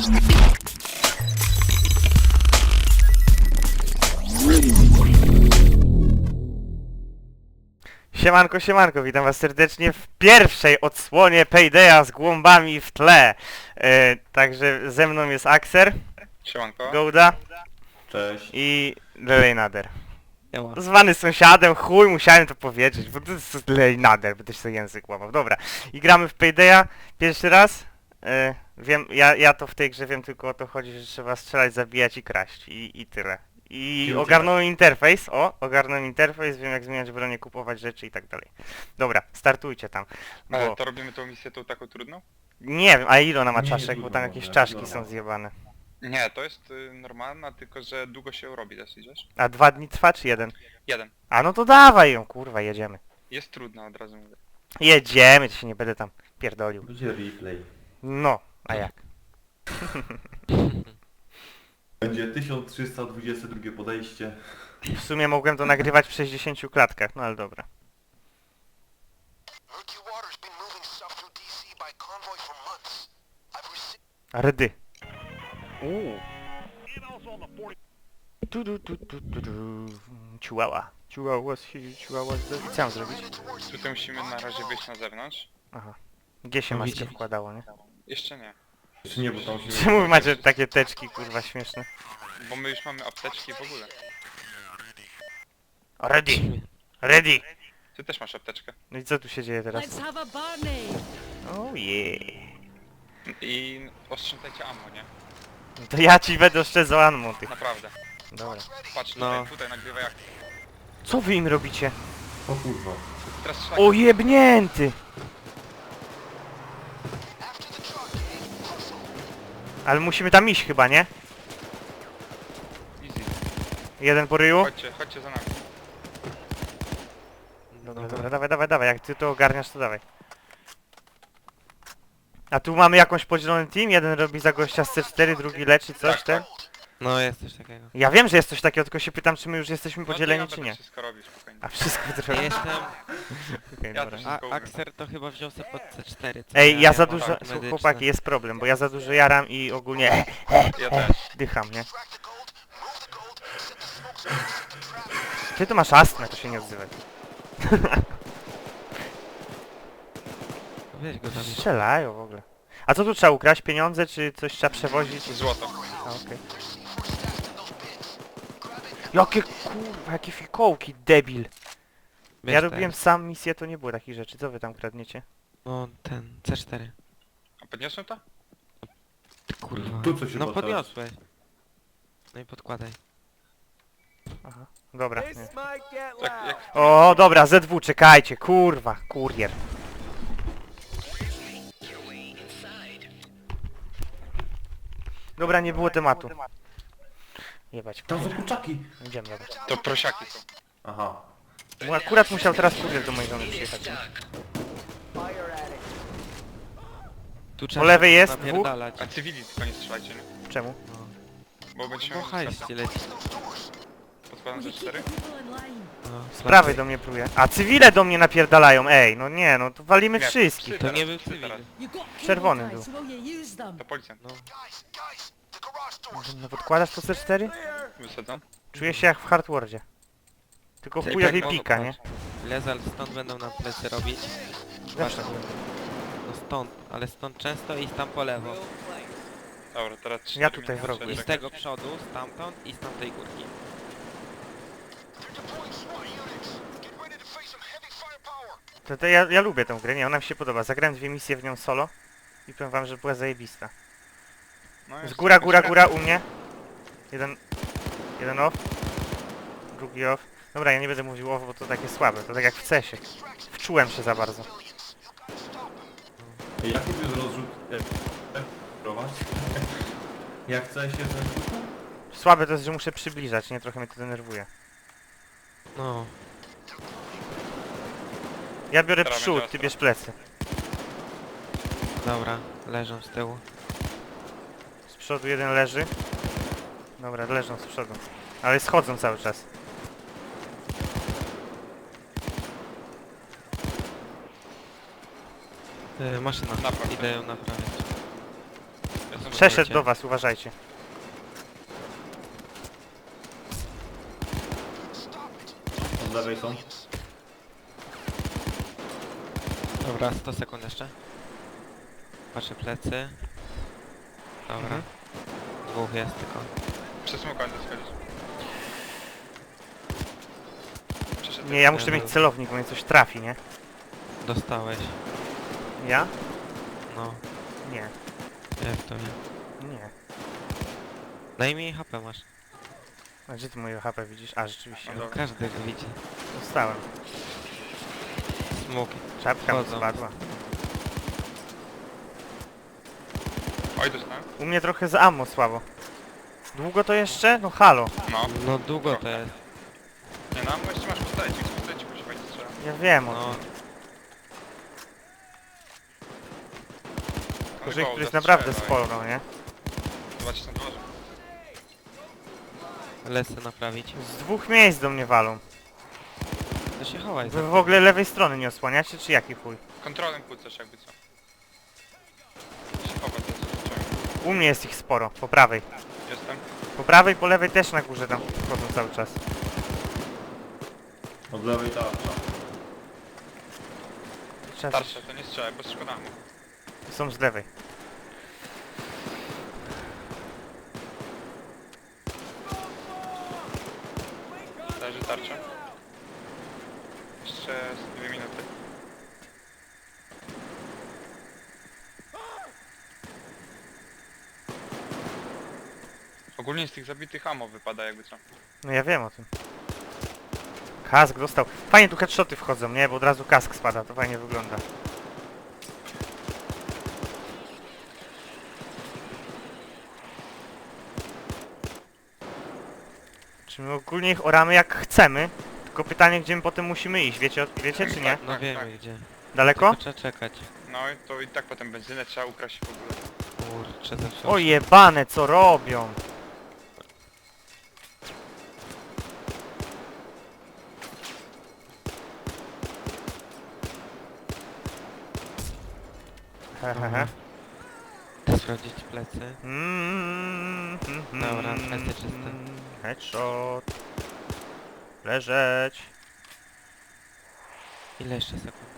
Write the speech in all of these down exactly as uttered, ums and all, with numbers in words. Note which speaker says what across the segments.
Speaker 1: Siemanko, siemanko, witam was serdecznie w pierwszej odsłonie Paydaya z głąbami w tle. E, także ze mną jest Axer,
Speaker 2: Siemanko.
Speaker 1: Gouda
Speaker 3: Cześć.
Speaker 1: i Lejnader.
Speaker 4: Siema.
Speaker 1: Zwany sąsiadem, chuj, musiałem to powiedzieć, bo to jest Lejnader, by też sobie język łamał. Dobra, i gramy w Paydaya pierwszy raz. E, wiem, ja, ja to w tej grze wiem, tylko o to chodzi, że trzeba strzelać, zabijać i kraść i, i tyle. I ogarnąłem interfejs, o, ogarnąłem interfejs, wiem jak zmieniać bronię, kupować rzeczy i tak dalej. Dobra, startujcie tam,
Speaker 2: Ale
Speaker 1: bo
Speaker 2: to robimy tą misję tą taką trudną?
Speaker 1: nie wiem, a ile ona ma
Speaker 3: Nie,
Speaker 1: czaszek,
Speaker 3: nie
Speaker 1: bo tam
Speaker 3: trudno,
Speaker 1: jakieś
Speaker 3: nie,
Speaker 1: czaszki
Speaker 3: trudno.
Speaker 1: są zjebane.
Speaker 2: Nie, to jest y, normalna, tylko że długo się robi dosyć, wiesz?
Speaker 1: A dwa dni trwa czy jeden?
Speaker 2: Jeden.
Speaker 1: A no to dawaj ją, kurwa, jedziemy.
Speaker 2: Jest trudna, od razu mówię.
Speaker 1: Jedziemy, to się nie będę tam pierdolił.
Speaker 3: Będzie replay.
Speaker 1: No, a jak?
Speaker 3: Będzie tysiąc trzysta dwudzieste drugie podejście.
Speaker 1: W sumie mogłem to nagrywać w sześćdziesięciu klatkach, no ale dobra. Rdy. Uuu. Tu, tu, tu, tu, tu, tu. Chihuahua. Chihuahua, chihuahua. Co mam zrobić?
Speaker 2: Tutaj musimy na razie wyjść na zewnątrz.
Speaker 1: Aha. Gdzie się
Speaker 4: No
Speaker 1: maskę
Speaker 4: widzicie.
Speaker 1: wkładało, nie?
Speaker 2: Jeszcze nie.
Speaker 3: Czy nie, bo tam się...
Speaker 1: Czemu wy macie takie teczki, kurwa, śmieszne?
Speaker 2: Bo my już mamy apteczki w ogóle.
Speaker 1: Ready! Ready!
Speaker 2: Ty też masz apteczkę.
Speaker 1: No i co tu się dzieje teraz?
Speaker 5: Let's have a Barney.
Speaker 1: Oh yeah.
Speaker 2: I ostrząsajcie ammo, nie?
Speaker 1: No to ja ci będę oszczędzał ammo, ty.
Speaker 2: Naprawdę.
Speaker 1: Dobra.
Speaker 2: Patrz,
Speaker 4: No.
Speaker 2: tutaj, tutaj nagrywaj jak...
Speaker 1: Co wy im robicie?
Speaker 3: O kurwa.
Speaker 2: Teraz strzelaj.
Speaker 1: O jebnięty! Ale musimy tam iść chyba, nie?
Speaker 2: Easy.
Speaker 1: Jeden po ryju?
Speaker 2: Chodźcie, chodźcie za nami.
Speaker 1: Dobra, dobra, dawaj, dawaj, dawaj, jak ty to ogarniasz, to dawaj. A tu mamy jakąś podzielony team, jeden robi za gościa z C cztery, drugi leczy coś,
Speaker 2: Tak,
Speaker 1: ten?
Speaker 4: No jest coś takiego.
Speaker 1: Ja wiem, że jest coś takiego, tylko się pytam, czy my już jesteśmy podzieleni,
Speaker 2: no to ja
Speaker 1: czy
Speaker 2: będę
Speaker 1: nie.
Speaker 2: wszystko robić, spokojnie.
Speaker 1: A wszystko
Speaker 4: Ja
Speaker 1: trochę.
Speaker 4: jestem...
Speaker 1: Okej,
Speaker 2: Ja
Speaker 1: dobra.
Speaker 2: też-
Speaker 4: A Axer to chyba wziął sobie pod C cztery. co
Speaker 1: Ej,
Speaker 4: nie?
Speaker 1: ja za
Speaker 4: mam
Speaker 1: dużo...
Speaker 4: tak
Speaker 1: Słuchaj,
Speaker 4: medyczne.
Speaker 1: chłopaki, jest problem, bo ja za dużo jaram i ogólnie
Speaker 2: Ja też.
Speaker 1: dycham, nie? Ty to masz astmę, to się nie odzywaj.
Speaker 4: Weź go tam.
Speaker 1: Strzelają w ogóle. A co tu trzeba ukraść? Pieniądze, czy coś trzeba przewozić?
Speaker 2: Złoto.
Speaker 1: A, okej. Jakie kurwa, jakie fikołki, debil.
Speaker 4: Weź
Speaker 1: Ja
Speaker 4: ten.
Speaker 1: robiłem sam misję, to nie było takich rzeczy. Co wy tam kradniecie?
Speaker 4: No ten, C cztery.
Speaker 2: A podniosłem to?
Speaker 4: Ty kurwa.
Speaker 3: Tu coś się
Speaker 4: No
Speaker 3: podsadza.
Speaker 4: podniosłeś. No i podkładaj.
Speaker 1: Aha. Dobra. Nie.
Speaker 2: Jak, jak...
Speaker 1: O, dobra, Z W, czekajcie, kurwa, kurier. Dobra, nie było tematu. Jebać,
Speaker 3: Tam są kurczaki.
Speaker 1: idziemy, dobra.
Speaker 2: To prosiaki są.
Speaker 3: Aha.
Speaker 1: Bo akurat musiał teraz kurier do mojej żony przyjechać. nie?
Speaker 4: Tu
Speaker 1: Po lewej jest dwóch.
Speaker 4: napierdalać.
Speaker 2: A cywili tylko nie strzelajcie, nie?
Speaker 1: Czemu?
Speaker 2: Bo będziemy
Speaker 4: Bo
Speaker 2: mieli
Speaker 4: hajs
Speaker 2: strefę.
Speaker 4: ci leci.
Speaker 2: Podkładam
Speaker 5: We
Speaker 2: ze
Speaker 5: keep
Speaker 2: cztery.
Speaker 5: the people in line.
Speaker 4: No,
Speaker 1: Z prawej do mnie próbuje. A cywile do mnie napierdalają, ej, no nie, no to walimy
Speaker 2: Nie,
Speaker 1: wszystkich.
Speaker 2: psy
Speaker 4: To nie
Speaker 2: teraz,
Speaker 4: był
Speaker 2: psy
Speaker 4: cywil.
Speaker 2: teraz.
Speaker 5: You got cable
Speaker 1: Czerwony
Speaker 5: ties,
Speaker 1: był.
Speaker 5: will you use them?
Speaker 2: To policjant.
Speaker 4: No.
Speaker 1: No podkładasz to C cztery?
Speaker 2: Wysadzam.
Speaker 1: Czuję się jak w Hardwardzie. Tylko
Speaker 4: Ty
Speaker 1: chujowi
Speaker 4: tak
Speaker 1: pika,
Speaker 4: mogą,
Speaker 1: nie?
Speaker 4: Lezal stąd będą nam plecy robić.
Speaker 1: Zawsze.
Speaker 4: No stąd, ale stąd często i tam po lewo.
Speaker 2: Dobra, teraz cztery
Speaker 1: Ja tutaj
Speaker 2: miliony,
Speaker 1: w rogu
Speaker 2: cztery.
Speaker 4: I z tego przodu, stamtąd i z tamtej górki.
Speaker 1: To, to ja, ja lubię tę grę, nie, ona mi się podoba. Zagrałem dwie misje w nią solo i powiem wam, że była zajebista.
Speaker 2: No
Speaker 1: Z
Speaker 2: jest-
Speaker 1: góra,
Speaker 2: jest
Speaker 1: góra,
Speaker 2: fajnie.
Speaker 1: góra u mnie. Jeden... Jeden off. Drugi off. Dobra, ja nie będę mówił off, bo to takie słabe, to tak jak w cesie. Wczułem się za bardzo.
Speaker 3: Ej, jaki tu jest rozrzut? E, e, prowadź. Jak chce się zrzucić?
Speaker 1: Słabe to jest, że muszę przybliżać, nie? Trochę mnie to denerwuje.
Speaker 4: No.
Speaker 1: Ja biorę
Speaker 2: Teraz
Speaker 1: przód,
Speaker 2: będzie
Speaker 1: ty
Speaker 2: ostro.
Speaker 1: bierz plecy.
Speaker 4: Dobra, leżą z tyłu.
Speaker 1: Z przodu jeden leży. Dobra, leżą z przodu. Ale schodzą cały czas.
Speaker 4: Yy, maszyna.
Speaker 2: Napraw.
Speaker 4: Idę ją naprawiać.
Speaker 2: Jestem
Speaker 1: Przeszedł
Speaker 4: Wiecie.
Speaker 1: do was, uważajcie.
Speaker 3: Od lewej są.
Speaker 4: Dobra, sto sekund jeszcze. Patrzę plecy. Dobra.
Speaker 1: Mhm.
Speaker 4: Dwóch jest tylko.
Speaker 2: Przez smoka będę schodzić. Przeszedł.
Speaker 1: Nie, ja muszę
Speaker 4: Nie,
Speaker 1: mieć
Speaker 4: no.
Speaker 1: celownik, bo mnie coś trafi, nie?
Speaker 4: Dostałeś.
Speaker 1: Ja?
Speaker 4: No,
Speaker 1: Nie,
Speaker 4: jak to nie.
Speaker 1: nie.
Speaker 4: Najmniej H P masz.
Speaker 1: A gdzie ty moje H P widzisz? A, rzeczywiście.
Speaker 2: No dobra.
Speaker 4: Każdy go widzi.
Speaker 1: Dostałem.
Speaker 4: Smoki.
Speaker 1: Czapka mi
Speaker 4: Wchodzą.
Speaker 1: spadła.
Speaker 2: Oj, dostałem.
Speaker 1: U mnie trochę z ammo słabo. Długo to jeszcze? No halo.
Speaker 2: No.
Speaker 4: No długo to jest.
Speaker 2: Nie no, bo jeszcze masz postajcik, postajcik musi fajnie strzela.
Speaker 1: Ja wiem o
Speaker 4: No,
Speaker 1: tym. Tylko,
Speaker 2: Ale
Speaker 1: że ich
Speaker 2: go,
Speaker 1: tu jest
Speaker 2: zastrzela,
Speaker 1: naprawdę
Speaker 2: oj.
Speaker 1: sporo, nie?
Speaker 2: Zobaczysz na dworze.
Speaker 4: lecę naprawić.
Speaker 1: Z dwóch miejsc do mnie walą.
Speaker 4: To się chowaj.
Speaker 1: Wy w ogóle lewej strony nie osłaniacie, czy jaki chuj?
Speaker 2: Kontrolem kłócasz jakby co. Się chowa to jest.
Speaker 1: U mnie jest ich sporo, po prawej.
Speaker 2: Jestem.
Speaker 1: Po prawej, po lewej też na górze tam chodzą cały czas.
Speaker 3: Od lewej tarcza.
Speaker 1: Czas
Speaker 2: Starsze, to nie strzelaj, bo szkoda mu.
Speaker 1: są z lewej.
Speaker 2: Leży tarcza. Jeszcze z dwie minuty. Ogólnie z tych zabitych ammo wypada jakby co.
Speaker 1: No ja wiem o tym. Kask dostał. Fajnie tu headshoty wchodzą, nie? Bo od razu kask spada, to fajnie wygląda. Czy my ogólnie ich oramy jak chcemy? Tylko pytanie, gdzie my potem musimy iść, wiecie, o- wiecie czy nie?
Speaker 4: No
Speaker 2: Tak,
Speaker 4: wiemy
Speaker 2: tak.
Speaker 4: gdzie.
Speaker 1: Daleko?
Speaker 4: Tylko trzeba czekać.
Speaker 2: No i to i tak potem benzynę trzeba ukraść w ogóle.
Speaker 4: Kurczę, zawsze.
Speaker 1: O jebane, co robią? Hehehe.
Speaker 4: Sprawdzić plecy.
Speaker 1: Mm, mm, mm,
Speaker 4: Dobra,
Speaker 1: mm,
Speaker 4: plecy czyste.
Speaker 1: Headshot. Leżeć.
Speaker 4: Ile jeszcze sekund?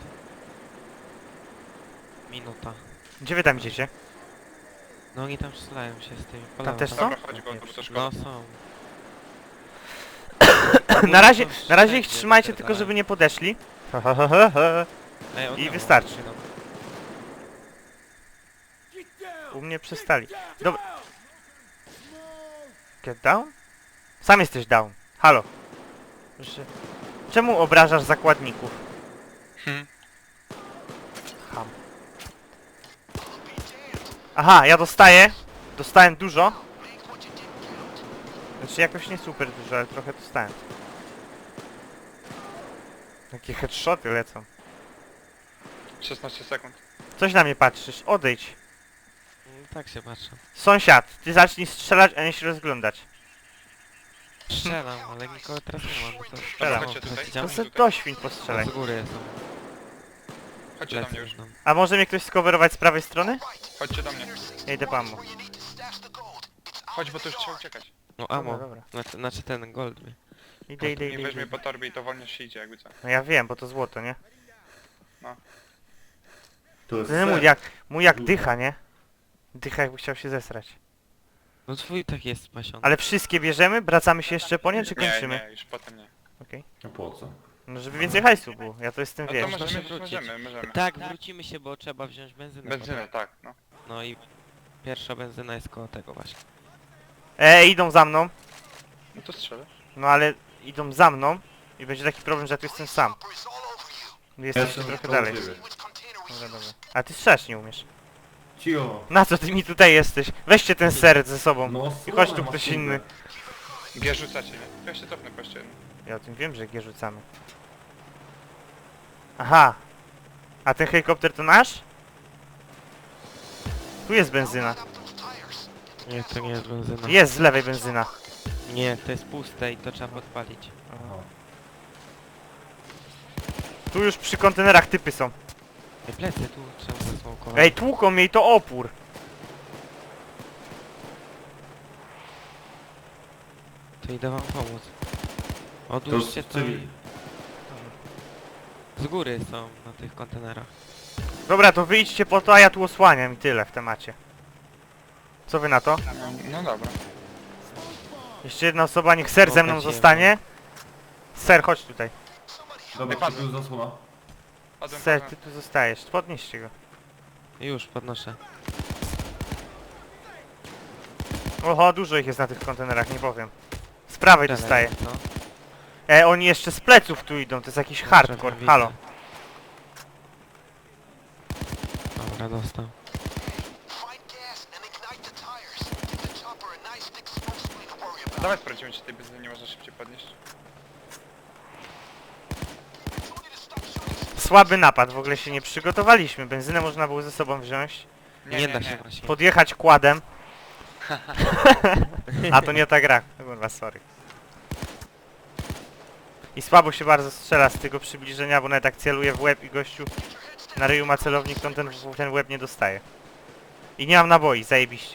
Speaker 4: Minuta.
Speaker 1: Gdzie wy tam idziecie?
Speaker 4: No oni tam strzelają się z tymi polami.
Speaker 1: też są?
Speaker 2: Dobra, chodź go, bo to szkoda.
Speaker 4: No są.
Speaker 1: na razie,
Speaker 4: Ogólnie są
Speaker 1: na razie ich
Speaker 4: wszędzie
Speaker 1: trzymajcie, tylko
Speaker 4: wypierdalają.
Speaker 1: żeby nie podeszli.
Speaker 4: Ej, od
Speaker 1: I
Speaker 4: dołu,
Speaker 1: wystarczy.
Speaker 4: od dołu.
Speaker 1: U mnie przestali. Dobra. Get down? Sam jesteś down. Halo. Proszę. Czemu obrażasz zakładników?
Speaker 2: Hmm.
Speaker 1: Ham. Aha, ja dostaję. Dostałem dużo. Znaczy jakoś nie super dużo, ale trochę dostałem. Jakie headshoty lecą.
Speaker 2: szesnaście sekund.
Speaker 1: Coś na mnie patrzysz, odejdź.
Speaker 4: Mm, Tak się patrzę.
Speaker 1: Sąsiad, ty zacznij strzelać, a nie się rozglądać.
Speaker 4: Strzelam, ale nikogo teraz nie ma. No to
Speaker 1: Strzelam.
Speaker 2: Chodźcie tutaj.
Speaker 1: To
Speaker 4: Chciałem-
Speaker 1: se do świń postrzelaj.
Speaker 4: Z góry są.
Speaker 2: Chodźcie do
Speaker 4: Plecy
Speaker 2: mnie już.
Speaker 4: będą.
Speaker 1: A może mnie ktoś skowerować z prawej strony?
Speaker 2: Chodźcie do mnie.
Speaker 1: Ja idę po ammo.
Speaker 2: Chodź, bo to już trzeba uciekać.
Speaker 4: No
Speaker 1: Dobra,
Speaker 4: amo.
Speaker 1: dobra.
Speaker 4: Znaczy, znaczy ten gold mi.
Speaker 1: Idę, idę,
Speaker 2: Nie
Speaker 1: idę,
Speaker 2: weźmie
Speaker 1: idę.
Speaker 2: po torbie i to wolno się idzie jakby co.
Speaker 1: No ja wiem, bo to złoto, nie?
Speaker 3: Tu jest
Speaker 1: Ten mój
Speaker 3: set.
Speaker 1: jak, mój jak dycha, nie? Dycha jakby chciał się zesrać.
Speaker 4: No twój tak jest spasiony.
Speaker 1: Ale wszystkie bierzemy? Wracamy się jeszcze po nie, czy
Speaker 2: Nie,
Speaker 1: kończymy?
Speaker 2: nie, już potem nie.
Speaker 1: Okej.
Speaker 3: No po co?
Speaker 1: No żeby więcej hajsu było, ja to jestem,
Speaker 2: No to
Speaker 1: wiesz.
Speaker 2: możemy,
Speaker 4: Możemy wrócić.
Speaker 2: możemy, możemy.
Speaker 4: Tak, wrócimy się, bo trzeba wziąć benzynę.
Speaker 2: Benzynę,
Speaker 4: potem.
Speaker 2: tak, no.
Speaker 4: No i pierwsza benzyna jest koło tego właśnie.
Speaker 1: E, idą za mną.
Speaker 2: No to strzelę.
Speaker 1: No ale idą za mną i będzie taki problem, że ja tu jestem sam. Jestem
Speaker 3: Jestem
Speaker 1: trochę
Speaker 3: koło
Speaker 1: dalej.
Speaker 3: ciebie.
Speaker 1: Dobra, dobra. A ty strzelać nie umiesz.
Speaker 3: Cicho.
Speaker 1: Na co ty mi tutaj jesteś? Weźcie ten seret ze sobą.
Speaker 3: No,
Speaker 1: I chodź tu
Speaker 3: słone
Speaker 1: ktoś
Speaker 3: masz
Speaker 1: inny.
Speaker 2: G rzucacie, nie? Ja się cofnę po jeszcze jednym.
Speaker 1: Ja o tym wiem, że G rzucamy. Aha. A ten helikopter to nasz? Tu jest benzyna.
Speaker 4: Nie, to nie jest benzyna.
Speaker 1: Jest z lewej benzyna.
Speaker 4: Nie, to jest puste i to trzeba podpalić.
Speaker 3: Aha.
Speaker 1: Tu już przy kontenerach typy są.
Speaker 4: Ej, plecy tu trzeba zasmokować.
Speaker 1: Ej, tłuką mnie i to opór.
Speaker 4: To idę wam pomóc.
Speaker 3: To
Speaker 4: Odłóżcie to
Speaker 3: cywil.
Speaker 4: i... Z góry są na tych kontenerach.
Speaker 1: Dobra, to wyjdźcie po to, a ja tu osłaniam i tyle w temacie. Co wy na to?
Speaker 2: No, no dobra.
Speaker 1: Jeszcze jedna osoba, niech ser ze mną
Speaker 4: Pokaż je.
Speaker 1: zostanie. Ser, chodź tutaj.
Speaker 3: Dobra,
Speaker 2: Wypadł.
Speaker 3: tu był zasłona.
Speaker 2: Padłem,
Speaker 1: Ser,
Speaker 2: padłem.
Speaker 1: ty tu zostajesz. Podnieście go.
Speaker 4: Już, podnoszę.
Speaker 1: Oho, dużo ich jest na tych kontenerach, nie powiem. Z prawej
Speaker 4: Dalej,
Speaker 1: dostaję.
Speaker 4: no.
Speaker 1: E, oni jeszcze z pleców tu idą, to jest jakiś hardcore.
Speaker 4: Widzę.
Speaker 1: Halo.
Speaker 4: Dobra, dostał.
Speaker 2: Dawaj sprawdzimy, czy tej benzyny nie można szybciej podnieść.
Speaker 1: Słaby napad, w ogóle się nie przygotowaliśmy. Benzynę można było ze sobą wziąć.
Speaker 4: Nie, da się właśnie.
Speaker 1: Podjechać kładem. A to nie ta gra. Kurwa, sorry. I słabo się bardzo strzela z tego przybliżenia, bo nawet jak celuje w łeb i gościu na ryju ma celownik, to ten, ten łeb nie dostaje. I nie mam naboi, zajebiście.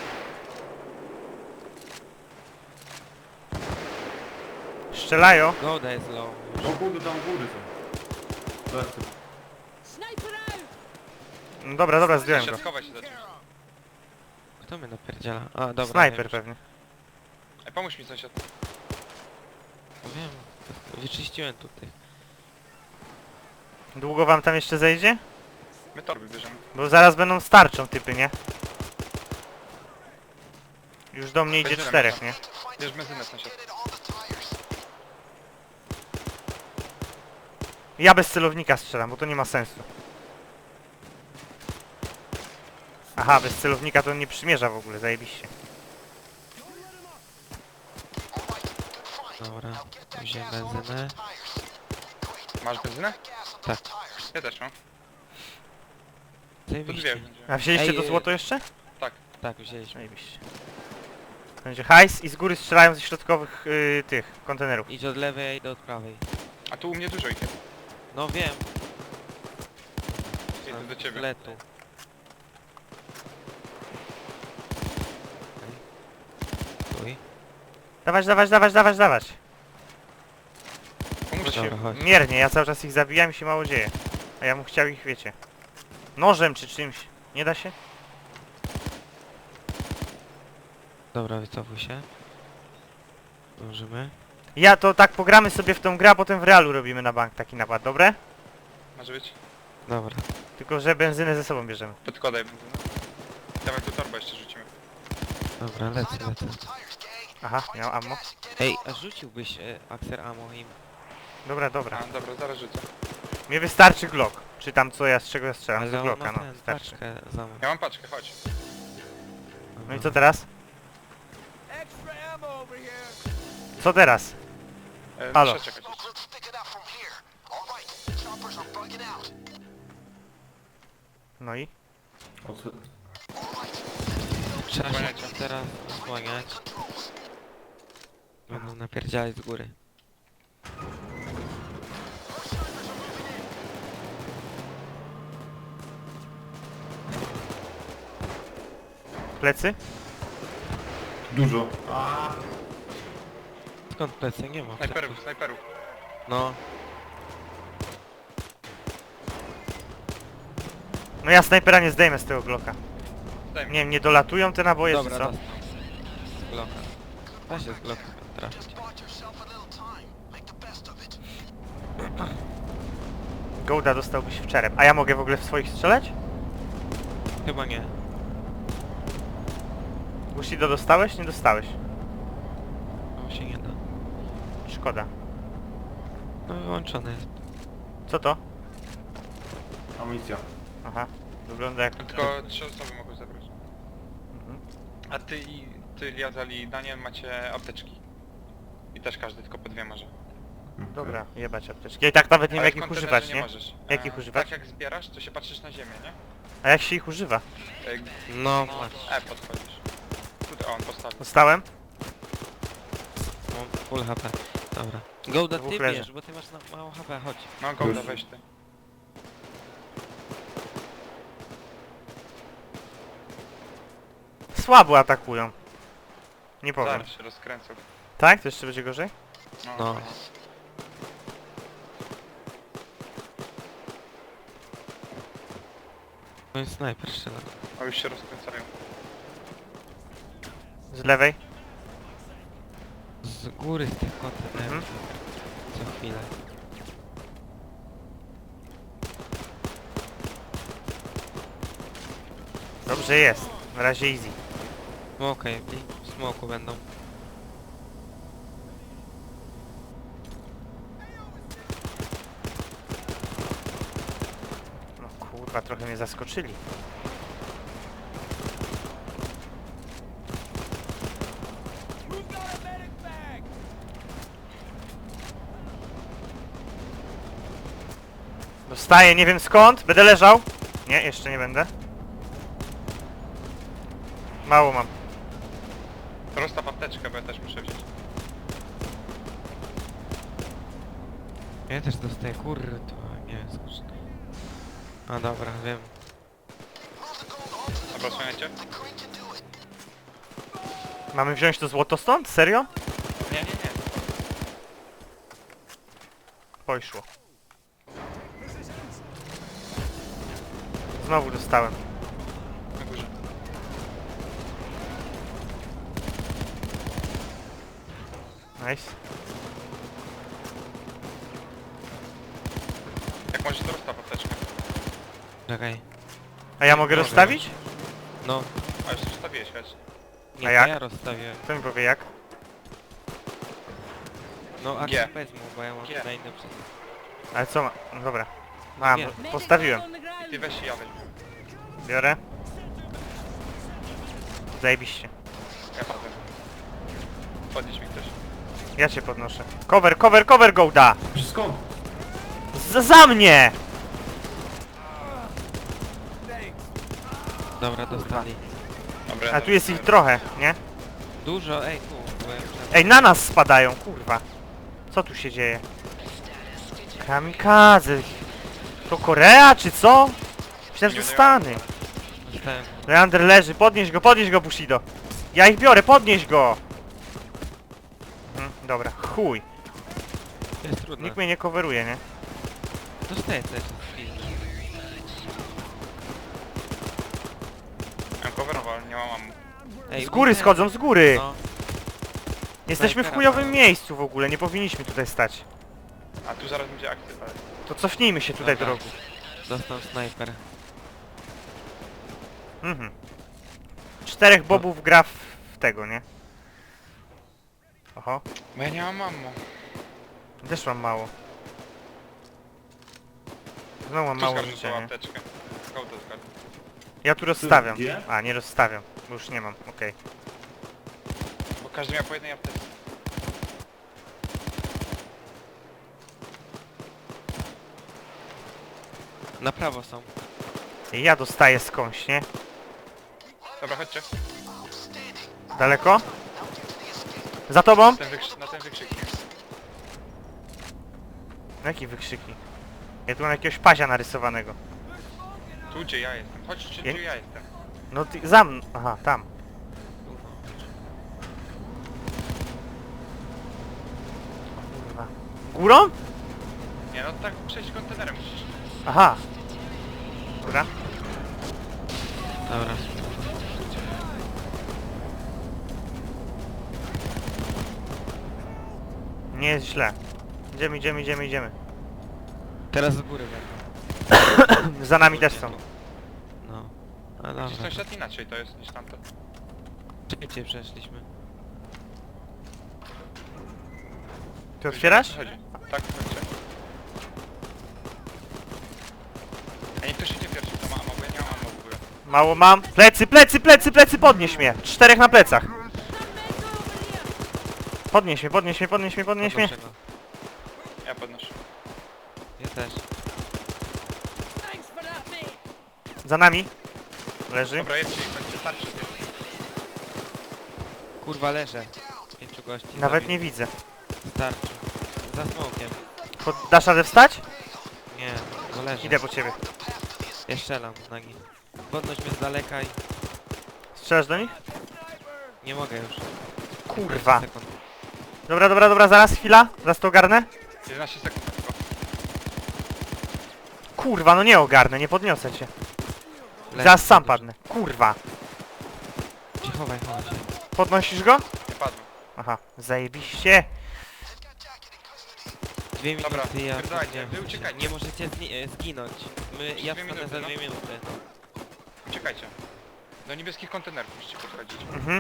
Speaker 1: Strzelają.
Speaker 4: Goda jest low.
Speaker 3: O kurde, tam u góry są. Lecę.
Speaker 5: Sniper out!
Speaker 1: No dobra, dobra, zdjąłem go.
Speaker 2: Sąsiad, chowaj się za czymś.
Speaker 4: Kto mnie napierdziela? A, dobra.
Speaker 1: Snajper
Speaker 4: wiem.
Speaker 1: pewnie.
Speaker 2: Ej, pomóż mi sąsiad.
Speaker 4: Wiem. Wyczyściłem tutaj.
Speaker 1: Długo wam tam jeszcze zejdzie?
Speaker 2: My torby bierzemy.
Speaker 1: Bo zaraz będą starczą typy, nie? Już do mnie idzie
Speaker 2: Będziemy
Speaker 1: czterech,
Speaker 2: tam.
Speaker 1: nie?
Speaker 2: Bierz benzynę sąsiad.
Speaker 1: Ja bez celownika strzelam, bo to nie ma sensu. Aha, bez celownika to nie przymierza w ogóle, zajebiście.
Speaker 4: Dobra. Wziąłem benzynę.
Speaker 2: Masz benzynę?
Speaker 4: Tak.
Speaker 2: Ja też mam. To dwie
Speaker 4: Zajebiście.
Speaker 2: będzie.
Speaker 1: A wzięliście
Speaker 4: Ej,
Speaker 1: to
Speaker 4: y-
Speaker 1: złoto jeszcze?
Speaker 4: Tak, wzięliśmy.
Speaker 1: Zajebiście. Będzie hajs i z góry strzelają ze środkowych y, tych kontenerów.
Speaker 4: Idź od lewej, ja idę od prawej.
Speaker 2: A tu u mnie dużo ich jest.
Speaker 4: No wiem.
Speaker 2: Idę do ciebie.
Speaker 4: Letu. Stój.
Speaker 1: Dawać, dawać, dawać, dawać, dawać.
Speaker 2: Pomóżcie.
Speaker 4: Dobra, chodź.
Speaker 1: Miernie, ja cały czas ich zabijam i się mało dzieje. A ja bym chciał ich, wiecie, nożem czy czymś. Nie da się?
Speaker 4: Dobra, wycofuj się. Dążymy.
Speaker 1: Ja to tak pogramy sobie w tą grę, a potem w realu robimy na bank taki napad, dobre?
Speaker 2: Może być.
Speaker 4: Dobra.
Speaker 1: Tylko, że benzynę ze sobą bierzemy.
Speaker 2: Podkładaj benzynę. Dawaj tu torbę jeszcze rzucimy.
Speaker 4: Dobra, lecę, lecę.
Speaker 1: Aha, miał ammo.
Speaker 4: Ej, a rzuciłbyś e, Axer Ammo im.
Speaker 1: Dobra, dobra.
Speaker 2: A, dobra, zaraz rzucę.
Speaker 1: Mnie wystarczy Glock. Czy tam co ja, z czego ja strzelam? Z
Speaker 4: Ale on
Speaker 1: Glocka,
Speaker 4: ma
Speaker 1: no,
Speaker 4: ten,
Speaker 1: wystarczy.
Speaker 4: paczkę za mną.
Speaker 2: Ja mam paczkę, chodź.
Speaker 1: No i co teraz? Co teraz?
Speaker 2: E,
Speaker 1: Halo.
Speaker 2: muszę czekać jeszcze.
Speaker 1: No i?
Speaker 3: Od...
Speaker 4: Trzeba się
Speaker 2: Osłaniajcie.
Speaker 4: teraz osłaniać. Będą napierdzielać z góry.
Speaker 1: Plecy?
Speaker 3: Dużo. A,
Speaker 4: Skąd plecy? Nie ma
Speaker 2: Snajperów,
Speaker 4: pleców.
Speaker 2: snajperów.
Speaker 4: No,
Speaker 1: No ja snajpera nie zdejmę z tego Glocka.
Speaker 2: Daj mi.
Speaker 1: Nie wiem, nie dolatują te naboje,
Speaker 4: dobra,
Speaker 1: czy co?
Speaker 4: dostał. Z Glocka. Da się z Glocka trafić.
Speaker 1: Gołda dostałbyś w czerep. A ja mogę w ogóle w swoich strzelać?
Speaker 4: Chyba nie.
Speaker 1: Bushido dostałeś? Nie dostałeś.
Speaker 4: No się nie da.
Speaker 1: Szkoda.
Speaker 4: No wyłączone jest.
Speaker 1: Co to?
Speaker 3: amunicja.
Speaker 1: Aha. Wygląda jak...
Speaker 2: Tylko trzy osoby mogą zabrać.
Speaker 1: Mhm.
Speaker 2: A ty i ty, Liazal i Daniel macie apteczki. I też każdy tylko po dwie może.
Speaker 1: Dobra, jebać apteczki. Ja i tak nawet nie wiem
Speaker 2: Ale
Speaker 1: jak
Speaker 2: w
Speaker 1: ich
Speaker 2: kontenerze
Speaker 1: używać,
Speaker 2: nie
Speaker 1: nie?
Speaker 2: możesz.
Speaker 1: Jak ich
Speaker 2: E,
Speaker 1: używać?
Speaker 2: Tak jak zbierasz, to się patrzysz na ziemię, nie?
Speaker 1: A jak się ich używa?
Speaker 2: E,
Speaker 4: No, masz.
Speaker 2: E, podchodzisz. Tutaj, o, on postawił.
Speaker 1: Dostałem?
Speaker 4: Mam full H P. Dobra. Gołda,
Speaker 1: Dwóch
Speaker 4: ty
Speaker 1: leży.
Speaker 4: bierz, bo ty masz na mało H P, chodź.
Speaker 2: No, Golda,
Speaker 3: Już.
Speaker 2: weź ty.
Speaker 1: Słabo atakują. Nie powiem.
Speaker 2: Zaraz się rozkręcą.
Speaker 1: Tak? To jeszcze będzie gorzej?
Speaker 4: No. No i snajper strzela.
Speaker 2: A już się rozkręcają.
Speaker 1: Z lewej?
Speaker 4: Z góry z tych kontenerów.
Speaker 1: Mhm.
Speaker 4: Co chwilę.
Speaker 1: Dobrze jest. Na razie easy.
Speaker 4: Smoke jakby. W smoku będą.
Speaker 1: No kurwa, trochę mnie zaskoczyli. Dostaję, nie wiem skąd. Będę leżał. Nie, jeszcze nie będę. Mało mam.
Speaker 2: Rozstaw apteczkę, bo ja też muszę wziąć.
Speaker 4: Ja też dostaję, kurde, to nie wiem skąd. A dobra, wiem.
Speaker 2: Dobra, słuchajcie.
Speaker 1: Mamy wziąć to złoto stąd? Serio?
Speaker 2: Nie, nie, nie.
Speaker 1: Poszło. Znowu dostałem.
Speaker 2: Na górze.
Speaker 1: Nice.
Speaker 2: Jak możesz, to rozstaw apteczkę.
Speaker 4: Czekaj.
Speaker 1: A ja mogę
Speaker 4: Mogę.
Speaker 1: rozstawić?
Speaker 4: No.
Speaker 2: A już rozstawiłeś, wiesz.
Speaker 4: Nie,
Speaker 1: A
Speaker 4: to
Speaker 1: jak?
Speaker 4: ja rozstawiłem.
Speaker 1: Kto mi powie jak?
Speaker 4: No, a
Speaker 2: G.
Speaker 4: wezmą, bo ja mam
Speaker 2: G.
Speaker 4: na innym przed...
Speaker 1: Ale co ma? No dobra. Mam,
Speaker 4: Nie.
Speaker 5: Medic
Speaker 1: postawiłem.
Speaker 5: on the ground.
Speaker 2: I ty weź i ja weźmie.
Speaker 1: Biorę. Zajebiście.
Speaker 2: Ja padłem. Podnieś mi ktoś.
Speaker 1: Ja cię podnoszę. Cover, cover, cover, Gołda!
Speaker 3: Skąd?
Speaker 1: Z za mnie!
Speaker 4: Dobra, dostali.
Speaker 2: Dobra,
Speaker 1: A tu jest ich trochę, nie?
Speaker 4: Dużo, ej, tu byłem przed...
Speaker 1: Ej, na nas spadają, kurwa. Co tu się dzieje? Kamikaze. To Korea, czy co? Myślałem, że to Stany.
Speaker 4: Dostałem.
Speaker 1: Leander leży, podnieś go, podnieś go, Bushido. Ja ich biorę, podnieś go! Mhm, dobra, chuj.
Speaker 4: To jest trudne.
Speaker 1: Nikt mnie nie coveruje, nie?
Speaker 4: Dostaję też z pizdy.
Speaker 2: Mam coverował, ale nie mam ammo.
Speaker 4: Ej,
Speaker 1: Z góry
Speaker 4: uderz-
Speaker 1: schodzą, z góry!
Speaker 4: No,
Speaker 1: Jesteśmy w
Speaker 4: snajpera
Speaker 1: chujowym
Speaker 4: mają.
Speaker 1: miejscu w ogóle, nie powinniśmy tutaj stać.
Speaker 2: A tu zaraz będzie akcja, ale...
Speaker 1: To cofnijmy się tutaj do
Speaker 4: Dobra.
Speaker 1: rogu.
Speaker 4: dostał snajper.
Speaker 1: Mhm. Czterech bobów gra w, w tego, nie? Oho,
Speaker 2: Bo ja nie mam ammo.
Speaker 1: też mam mało. Znowu mam
Speaker 2: Tu
Speaker 1: mało
Speaker 2: skarżę
Speaker 1: życia,
Speaker 2: tą
Speaker 1: nie?
Speaker 2: apteczkę. Kołdę zgadł.
Speaker 1: Ja tu rozstawiam.
Speaker 3: Gdzie?
Speaker 1: A, nie rozstawiam, bo już nie mam, okej.
Speaker 2: Bo każdy miał po jednej apteczce.
Speaker 4: Na prawo są.
Speaker 1: Ja dostaję skądś, nie?
Speaker 2: Dobra, chodźcie.
Speaker 1: Daleko? Za tobą?
Speaker 2: Na ten, wykrz na ten wykrzyknik.
Speaker 1: Jaki wykrzyki? Ja tu mam jakiegoś pazia narysowanego.
Speaker 2: Tu gdzie ja jestem. Chodź, czy
Speaker 1: Ja-
Speaker 2: gdzie ja jestem.
Speaker 1: No ty, za mną. Aha, tam.
Speaker 4: Tu, no.
Speaker 1: Kurwa. Górą?
Speaker 2: Nie, no tak przejść kontenerem musisz.
Speaker 1: Aha. Dobra.
Speaker 4: Dobra.
Speaker 1: Nie jest źle. Idziemy, idziemy, idziemy, idziemy.
Speaker 4: Teraz z góry będą.
Speaker 1: Za nami też są.
Speaker 4: No. A
Speaker 2: Gdzieś
Speaker 4: dobra.
Speaker 2: sąsiad inaczej to jest niż tamto.
Speaker 4: Szybciej przeszliśmy.
Speaker 1: Ty otwierasz?
Speaker 2: Chodzi. Tak, chodźcie. A nie ktoś idzie pierwszy, to ma ammo, bo ja nie mam ammo w ogóle.
Speaker 1: Mało mam. Plecy, plecy, plecy, plecy, podnieś mnie. Czterech na plecach. Podnieś mnie, podnieś mnie, podnieś mnie, podnieś mnie.
Speaker 4: Podnoszę go.
Speaker 2: Ja podnoszę.
Speaker 4: Ja też.
Speaker 5: Thanks for that, mate.
Speaker 1: Za nami. Leży.
Speaker 2: Dobra, jedźcie i chodźcie, starczy.
Speaker 4: Kurwa, leżę. Pięciu gości.
Speaker 1: Nawet
Speaker 4: zabił.
Speaker 1: nie widzę.
Speaker 4: Starczy. Za smokiem.
Speaker 1: Pod, dasz radę wstać?
Speaker 4: Nie, no leżę.
Speaker 1: Idę po ciebie.
Speaker 4: Ja strzelam z nagi. Podnoś mnie z daleka i...
Speaker 1: Strzelasz do nich?
Speaker 4: Nie mogę już.
Speaker 1: Kurwa.
Speaker 4: Sekund.
Speaker 1: Dobra, dobra, dobra, zaraz, chwila. Zaraz to ogarnę.
Speaker 2: jedenaście sekund tylko.
Speaker 1: Kurwa, no nie ogarnę, nie podniosę cię.
Speaker 4: Leży,
Speaker 1: Zaraz sam
Speaker 4: leży.
Speaker 1: padnę. Kurwa.
Speaker 4: Ci Chowaj, chowaj się.
Speaker 1: Podnosisz go?
Speaker 2: Nie padłem.
Speaker 1: Aha, zajebiście.
Speaker 4: Dwie minuty,
Speaker 2: Dobra,
Speaker 4: ja
Speaker 2: spierdalajcie,
Speaker 4: podniosę
Speaker 2: wy
Speaker 4: się.
Speaker 2: uciekajcie.
Speaker 4: Nie możecie zni e, zginąć. My, ja
Speaker 2: Dwie
Speaker 4: wstanę
Speaker 2: minuty,
Speaker 4: za
Speaker 2: no.
Speaker 4: dwie minuty.
Speaker 2: Uciekajcie. Do niebieskich kontenerów musicie podchodzić.
Speaker 1: Mhm.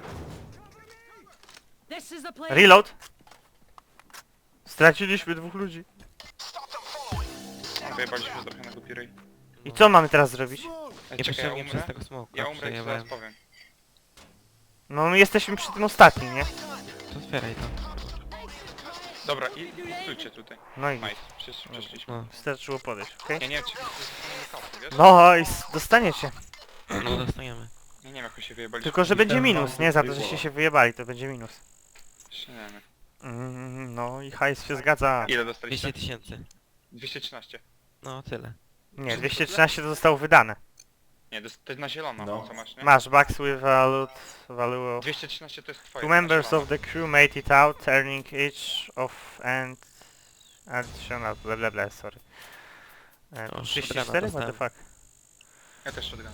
Speaker 5: This is the place.
Speaker 1: Reload. Straciliśmy dwóch ludzi.
Speaker 2: Wyjebaliśmy trochę na głupi ryj.
Speaker 1: I co mamy teraz zrobić?
Speaker 2: Ej, czekaj, ja
Speaker 4: Niepotrzebnie
Speaker 2: umrę.
Speaker 4: przez tego smoka
Speaker 2: Ja umrę i ci zaraz
Speaker 4: przejebałem.
Speaker 2: powiem.
Speaker 1: No my jesteśmy przy tym ostatnim, nie?
Speaker 4: To otwieraj to.
Speaker 2: Dobra, i stójcie tutaj.
Speaker 1: No i
Speaker 2: Nice, Przesz, przeszliśmy.
Speaker 4: No,
Speaker 1: wystarczyło podejść, okej?
Speaker 2: Ja nie wiem, czy dostaniemy kapsy, wiesz?
Speaker 1: No i s- dostaniecie.
Speaker 4: no dostaniemy.
Speaker 2: Ja nie wiem, jak my się wyjebaliśmy.
Speaker 1: Tylko, że
Speaker 3: I
Speaker 1: będzie
Speaker 3: ten
Speaker 1: minus,
Speaker 3: wam
Speaker 1: nie? Za to,
Speaker 3: wybiło.
Speaker 1: żeście się wyjebali, to będzie minus.
Speaker 2: Jeszcze nie wiem.
Speaker 1: Mm, no i hajs się zgadza.
Speaker 2: Ile dostaliście?
Speaker 4: dwieście tysięcy.
Speaker 2: dwieście trzynaście.
Speaker 4: No, tyle.
Speaker 1: Nie, dwieście trzynaście to zostało wydane.
Speaker 2: Nie, to jest- to jest na zielono,
Speaker 3: No.
Speaker 2: co masz, nie?
Speaker 1: Masz, bucks with value, value of...
Speaker 2: dwieście trzynaście to jest twoje.
Speaker 1: Two
Speaker 2: na
Speaker 1: members
Speaker 2: zielono.
Speaker 1: of the crew made it out, turning each of and... Additional, bla bla bla, sorry. E,
Speaker 4: O,
Speaker 1: trzydzieści
Speaker 4: shotguna
Speaker 1: cztery? What the
Speaker 4: dostałem.
Speaker 1: fuck?
Speaker 2: Ja też shotguna.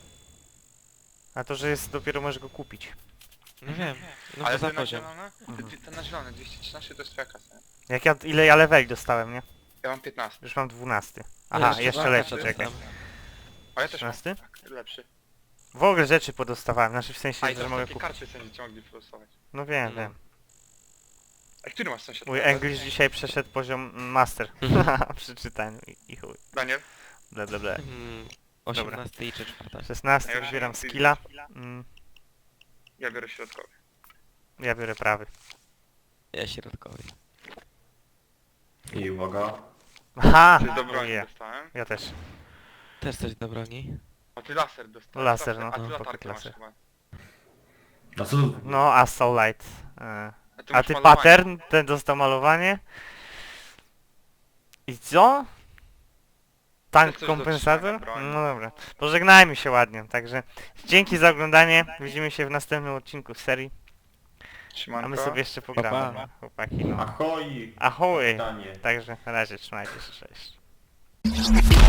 Speaker 1: A to, że jest dopiero możesz go kupić.
Speaker 4: No wiem. No
Speaker 2: Ale
Speaker 4: to za
Speaker 2: ty na
Speaker 4: poziom.
Speaker 2: zielone? Ty, ty, ten na zielone, dwieście trzynaście to jest twoja kasa. nie?
Speaker 1: Jak ja, ile ja leveli dostałem, nie?
Speaker 2: Ja mam piętnaście.
Speaker 1: Już mam dwunasty. Aha,
Speaker 4: jeszcze
Speaker 1: jeszcze
Speaker 4: dwa
Speaker 1: leci,
Speaker 4: kasy
Speaker 1: czekaj.
Speaker 4: dostałem.
Speaker 2: A ja też mam.
Speaker 1: trzynasty?
Speaker 2: Tak, lepszy.
Speaker 1: W ogóle rzeczy podostawałem, znaczy w
Speaker 2: A
Speaker 1: sensie,
Speaker 2: i
Speaker 1: że
Speaker 2: też
Speaker 1: mogę
Speaker 2: takie
Speaker 1: kupić.
Speaker 2: karty będziecie mogli wylosować.
Speaker 1: No wiem,
Speaker 4: No.
Speaker 1: wiem.
Speaker 2: A który masz sąsiad?
Speaker 1: Mój English dzisiaj przeszedł poziom master.
Speaker 4: Mhm.
Speaker 1: Przy czytaniu i, i chuj.
Speaker 2: Daniel?
Speaker 1: Ble, ble, ble.
Speaker 4: Mm, osiemnasty i czwarta.
Speaker 1: szesnasty,
Speaker 2: Ja już
Speaker 1: wybieram
Speaker 2: nie mam
Speaker 1: skilla. Mm,
Speaker 2: Ja biorę środkowy.
Speaker 1: ja biorę prawy.
Speaker 4: Ja środkowy.
Speaker 3: I uwaga.
Speaker 1: Aha!
Speaker 2: Ty do broni
Speaker 1: uje.
Speaker 2: dostałem.
Speaker 1: Ja też.
Speaker 4: Też coś do broni?
Speaker 2: A ty laser dostałeś.
Speaker 1: Laser, no,
Speaker 2: A ty
Speaker 1: no,
Speaker 2: latarkę
Speaker 1: pocket
Speaker 2: masz
Speaker 1: laser.
Speaker 2: chyba.
Speaker 3: No co tu?
Speaker 1: No, Assault Light. E,
Speaker 2: A ty,
Speaker 1: A
Speaker 2: masz
Speaker 1: ty
Speaker 2: malowanie.
Speaker 1: pattern, ten dostał malowanie. I co? Tank
Speaker 2: Coś do
Speaker 1: kompensator?
Speaker 2: trzymania broni.
Speaker 1: No dobra. Pożegnajmy się ładnie, także dzięki za oglądanie. Widzimy się w następnym odcinku z serii.
Speaker 2: Trzymanko.
Speaker 1: A my sobie jeszcze pogramy,
Speaker 4: Pa,
Speaker 1: no, chłopaki. No.
Speaker 3: Ahoj!
Speaker 1: Ahoj!
Speaker 3: Danie.
Speaker 1: Także na razie trzymajcie się, cześć.